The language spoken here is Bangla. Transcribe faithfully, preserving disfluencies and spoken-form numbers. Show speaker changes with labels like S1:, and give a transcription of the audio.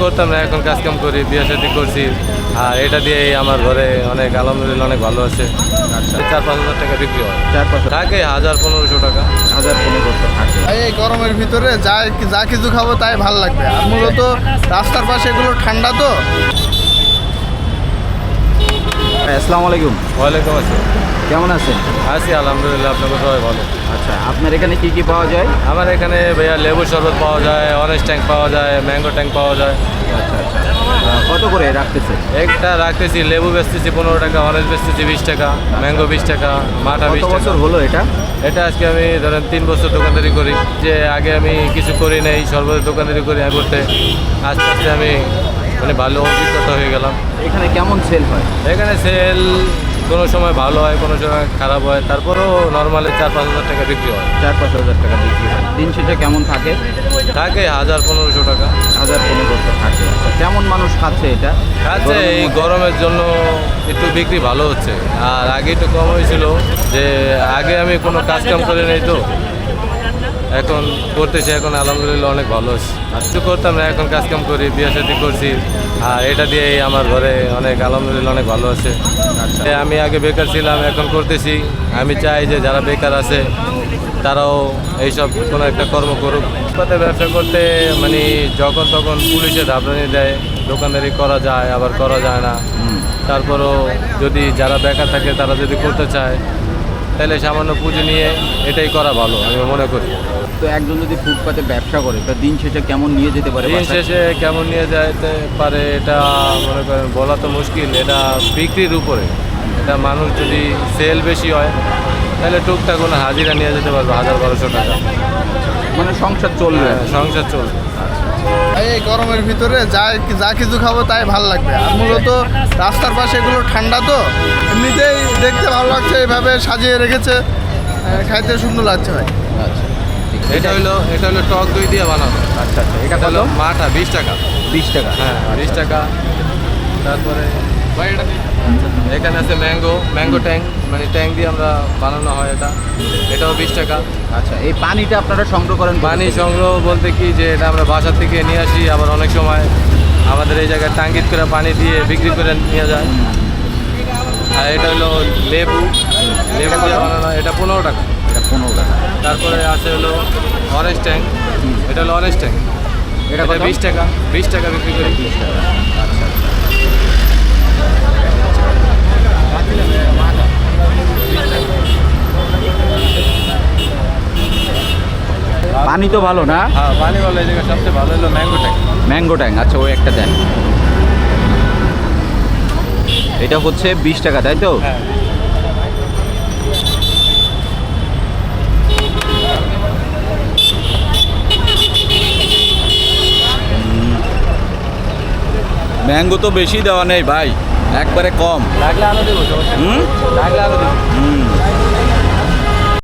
S1: করতাম না, এখন কাজ কাম করি, বিয়ে শাদী করছি। আর এটা দিয়েই আমার ঘরে অনেক আলহামদুলিল্লাহ অনেক ভালো আছে।
S2: আচ্ছা,
S1: চার পাঁচ হাজার টাকা বিক্রি হয়,
S2: চার পাঁচ
S1: থাকে হাজার পনেরোশো টাকা।
S2: হাজার পনেরোশো থাকে।
S3: এই গরমের ভিতরে যা যা কিছু খাবো তাই ভাল লাগবে। আর মূলত রাস্তার পাশে এগুলো ঠান্ডা তো।
S2: আসসালামু আলাইকুম।
S1: ওয়ালাইকুম আসসালাম।
S2: কেমন আছেন?
S1: আছি আলহামদুলিল্লাহ, আপনাকে সবাই ভালো।
S2: আচ্ছা, আপনার এখানে কি কি পাওয়া যায়?
S1: আমার এখানে ভাইয়া লেবু শরবত পাওয়া যায়, অরেঞ্জ ট্যাঙ্ক পাওয়া যায়, ম্যাঙ্গো ট্যাঙ্ক পাওয়া যায়।
S2: আচ্ছা আচ্ছা, আহ, কত করে রাখতেছে?
S1: একটা রাখতেছি, লেবু বেচতেছি পনেরো টাকা, অরেঞ্জ বেচতেছি বিশ টাকা, ম্যাঙ্গো বিশ টাকা, মাঠা
S2: কত
S1: বিশ টাকা।
S2: বছর হলো এটা?
S1: এটা আজকে আমি ধরেন তিন বছর দোকানদারি করি। যে আগে আমি কিছু করি নাই, সর্বদা দোকানদারি করি আগে করতে, আস্তে আস্তে আমি মানে ভালো অভিজ্ঞতা হয়ে গেলাম।
S2: এখানে কেমন সেল হয়?
S1: এখানে সেল কোনো সময় ভালো হয়, কোনো সময় খারাপ হয়, তারপরেও নর্মালি চার পাঁচ হাজার টাকা বিক্রি হয়।
S2: চার পাঁচ হাজার টাকা বিক্রি হয়। দিন শেষে কেমন থাকে?
S1: থাকে হাজার পনেরোশো টাকা।
S2: হাজার পনেরোশো থাকে। আচ্ছা, কেমন মানুষ খাচ্ছে এটা?
S1: খাচ্ছে,
S2: গরমের
S1: এই
S2: মধ্যে?
S1: গরমের জন্য একটু বিক্রি ভালো হচ্ছে। আর আগে একটু কম হয়েছিল, যে আগে আমি কোনো কাজ কাম করে নেই তো, এখন করতেছি, এখন আলহামদুলিল্লাহ অনেক ভালো হচ্ছে। আর কিছু করতাম না, এখন কাজ কাম করি, বিয়ে শাদী করছি। আর এটা দিয়েই আমার ঘরে অনেক আলহামদুলিল্লাহ অনেক ভালো আছে।
S2: আচ্ছা,
S1: এ আমি আগে বেকার ছিলাম, এখন করতেছি। আমি চাই যে যারা বেকার আছে তারাও এইসব কোনো একটা কর্ম করুক। ফুটপাতে ব্যবসা করতে মানে যখন তখন পুলিশে ধাপড়ানি দেয়, দোকানদারি করা যায় আবার করা যায় না।
S2: হুম,
S1: তারপরও যদি যারা বেকার থাকে তারা যদি করতে চায়, তাহলে সামান্য পুঁজি নিয়ে এটাই করা ভালো আমি মনে করি।
S2: তো একজন যদি ফুটপাতে ব্যবসা করে তা দিন শেষে কেমন নিয়ে যেতে পারে
S1: দিন
S2: বাসায়?
S1: শেষে কেমন নিয়ে যেতে পারে এটা মনে করেন বলা তো মুশকিল। এটা বিক্রির উপরে, এটা মানুষ যদি সেল বেশি হয় তাহলে টুকটাক কোনো হাজিরা নিয়ে যেতে পারবে হাজার বারোশো টাকা,
S2: মানে সংসার চলবে।
S1: হ্যাঁ, সংসার চলবে।
S3: এই গরমের ভিতরে যা যা কিছু খাবো তাই ভাল লাগবে। আর মূলত রাস্তার পাশে এগুলো ঠান্ডা তো, এমনিতেই দেখতে ভালো লাগছে, এইভাবে সাজিয়ে রেখেছে, আহ, খাইতে সুন্দর লাগছে ভাই।
S2: আচ্ছা, ঠিক।
S1: এটা হলো এটা হলো টক দই দিয়ে বানানো।
S2: আচ্ছা আচ্ছা, এটা
S1: এটা
S2: কত?
S1: হলো মাঠা বিশ টাকা।
S2: বিশ টাকা।
S1: হ্যাঁ বিশ টাকা। তারপরে এখানে আছে ম্যাঙ্গো ম্যাঙ্গো ট্যাঙ্ক, মানে ট্যাঙ্ক দিয়ে আমরা বানানো হয় এটা, এটাও বিশ টাকা।
S2: আচ্ছা, এই পানিটা আপনারা সংগ্রহ করেন?
S1: পানি সংগ্রহ বলতে কি, যে এটা আমরা বাসা থেকে নিয়ে আসি, আবার অনেক সময় আমাদের এই জায়গায় টাঙ্গিত করে পানি দিয়ে বিক্রি করে নিয়ে যায়। আর এটা হলো লেবু লেবু দিয়ে বানানো, এটা পনেরো টাকা।
S2: এটা পনেরো টাকা।
S1: তারপরে আছে হলো অরেঞ্জ ট্যাঙ্ক, এটা হলো অরেঞ্জ ট্যাঙ্ক,
S2: এটা
S1: এটা
S2: কত?
S1: বিশ টাকা। বিশ টাকা বিক্রি করি।
S2: বিশ টাকা। আচ্ছা আচ্ছা। পানি তো ভালো না?
S1: হ্যাঁ পানি ভালো, এই জায়গায় সবচেয়ে ভালো হলো ম্যাঙ্গো ট্যাঙ্ক।
S2: ম্যাঙ্গো ট্যাং, আচ্ছা ওই একটা দেন। এটা হচ্ছে বিশ টাকা, তাই তো?
S1: হ্যাঁ
S2: ম্যাঙ্গো তো বেশি দেওয়া নেই ভাই, একবারে কম।
S1: লাগলে আরো দেবো, সমস্যা নেই।
S2: হুম?
S1: লাগলে আরো দেবো।
S2: হুম,